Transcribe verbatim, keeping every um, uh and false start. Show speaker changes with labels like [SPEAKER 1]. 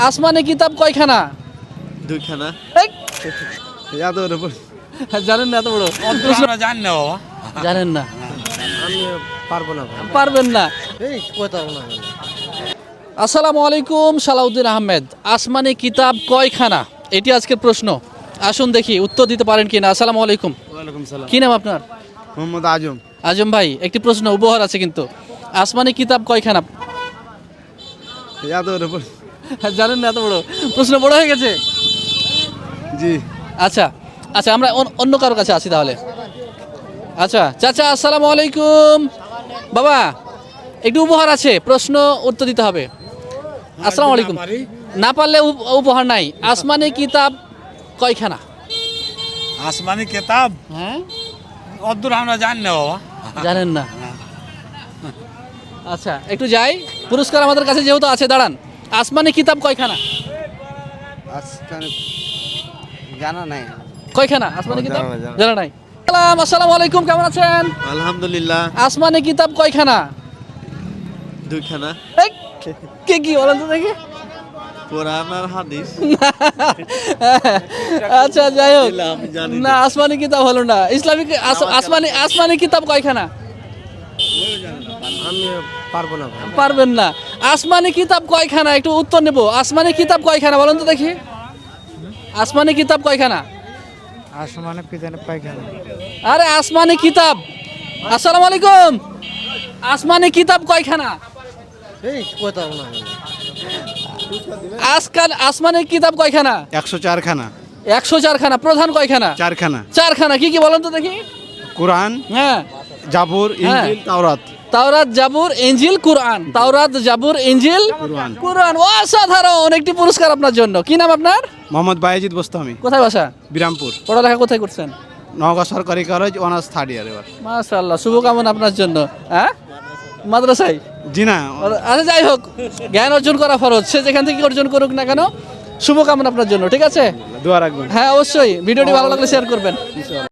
[SPEAKER 1] আসমানে কিতাব কয়খানা?
[SPEAKER 2] দুইখানা।
[SPEAKER 1] এই,
[SPEAKER 2] এত বড় প্রশ্ন।
[SPEAKER 1] জানেন না? এত বড় প্রশ্ন
[SPEAKER 3] জানি না বাবা।
[SPEAKER 1] জানেন না?
[SPEAKER 2] আমি পারবো না ভাই।
[SPEAKER 1] পারবেন না।
[SPEAKER 2] এই কথা না।
[SPEAKER 1] আসসালামু আলাইকুম, সালাউদ্দিন আহমেদ। আসমানি কিতাব কয়খানা? এটি আজকের প্রশ্ন। আসুন দেখি উত্তর দিতে পারেন কিনা। আসসালামু আলাইকুম।
[SPEAKER 2] ওয়ালাইকুম সালাম।
[SPEAKER 1] কি নাম আপনার?
[SPEAKER 2] মোহাম্মদ আজম।
[SPEAKER 1] আজম ভাই, একটি প্রশ্ন উপহার আছে কিন্তু। আসমানি কিতাব কয়খানা?
[SPEAKER 2] এত বড় প্রশ্ন।
[SPEAKER 1] জানেন না? এত বড় প্রশ্ন বড় হয়ে গেছে।
[SPEAKER 2] জি।
[SPEAKER 1] আচ্ছা আচ্ছা, আমরা অন- অন্য কারো কাছে আছি তাহলে। আচ্ছা চাচা, আসসালামু আলাইকুম। বাবা, একটু উপহার আছে, প্রশ্ন উত্তর দিতে হবে। আসসালামু আলাইকুম। না পারলে উপ- উপহার নাই। আসমানি কিতাব কয়খানা?
[SPEAKER 3] আসমানি কিতাব
[SPEAKER 1] হ্যাঁ,
[SPEAKER 3] অদ্দূর আমরা জানি না বাবা।
[SPEAKER 1] জানেন না? আচ্ছা, একটু যাই। পুরস্কার আমাদের কাছে যেহেতু আছে, দাঁড়ান। আসমানি কিতাব কয়খানা?
[SPEAKER 2] আজকাল জানা নাই।
[SPEAKER 1] কয়খানা আসমানি কিতাব?
[SPEAKER 2] জানা নাই, জানা নাই।
[SPEAKER 1] জানা নাই। সালাম, আসসালামু আলাইকুম, কেমন আছেন?
[SPEAKER 2] আলহামদুলিল্লাহ।
[SPEAKER 1] আসমানি কিতাব কয়খানা?
[SPEAKER 2] দুইখানা।
[SPEAKER 1] এই, কে কি বলেন তো দেখি।
[SPEAKER 2] কোরআন আর হাদিস।
[SPEAKER 1] আচ্ছা, যাই হোক।
[SPEAKER 2] এলা আমি জানি
[SPEAKER 1] না, আসমানি কিতাব হলো না। ইসলামিক আস- আসমানি আসমানি কিতাব কয়খানা?
[SPEAKER 2] আমি পারবো না ভাই।
[SPEAKER 1] পারবেন না। আসমানি কিতাব কয়খানা? একটু উত্তর নেব। আসমানি কিতাব কয়খানা বলেন তো দেখি। আসমানি কিতাব কয়খানা?
[SPEAKER 2] আসমানে পিছনে পায়খানা।
[SPEAKER 1] আরে আসমানি কিতাব। আসসালামু আলাইকুম। আসমানি কিতাব কয়খানা?
[SPEAKER 2] এই কথা না।
[SPEAKER 1] আজকাল আসমানি কিতাব কয়খানা?
[SPEAKER 4] একশো চারখানা।
[SPEAKER 1] একশো চারখানা। প্রধান কয়খানা?
[SPEAKER 4] চারখানা।
[SPEAKER 1] চারখানা। কি কি বলেন তো দেখি।
[SPEAKER 4] কোরআন,
[SPEAKER 1] হ্যাঁ,
[SPEAKER 4] জাবুর, ইনজিল, তাওরাত।
[SPEAKER 1] তাওরাত, জাবুর, ইনজিল, কুরআন। তাওরাত, জাবুর, ইনজিল,
[SPEAKER 4] কুরআন।
[SPEAKER 1] কুরআন। অসাধারণ, একটি পুরস্কার আপনার জন্য। কি নাম আপনার?
[SPEAKER 4] মোহাম্মদ বায়েজিদ বোস্তামি,
[SPEAKER 1] কোথায় বাসা?
[SPEAKER 4] বিরামপুর।
[SPEAKER 1] পড়ালেখা কোথায় করছেন?
[SPEAKER 4] নওগাঁ সরকারি কলেজ, অনার্স থার্ড ইয়ার এবার।
[SPEAKER 1] মাশাআল্লাহ, শুভকামনা আপনার জন্য। হ্যাঁ, মাদ্রাসায়।
[SPEAKER 4] জি না,
[SPEAKER 1] আচ্ছা, যাই হোক, জ্ঞান অর্জন করা ফরজ। সে যেখান থেকে অর্জন করুক না কেন, শুভকামনা আপনার জন্য। ঠিক আছে?
[SPEAKER 4] দোয়া রাখবেন।
[SPEAKER 1] হ্যাঁ, অবশ্যই। ভিডিওটি ভালো লাগলে শেয়ার করবেন।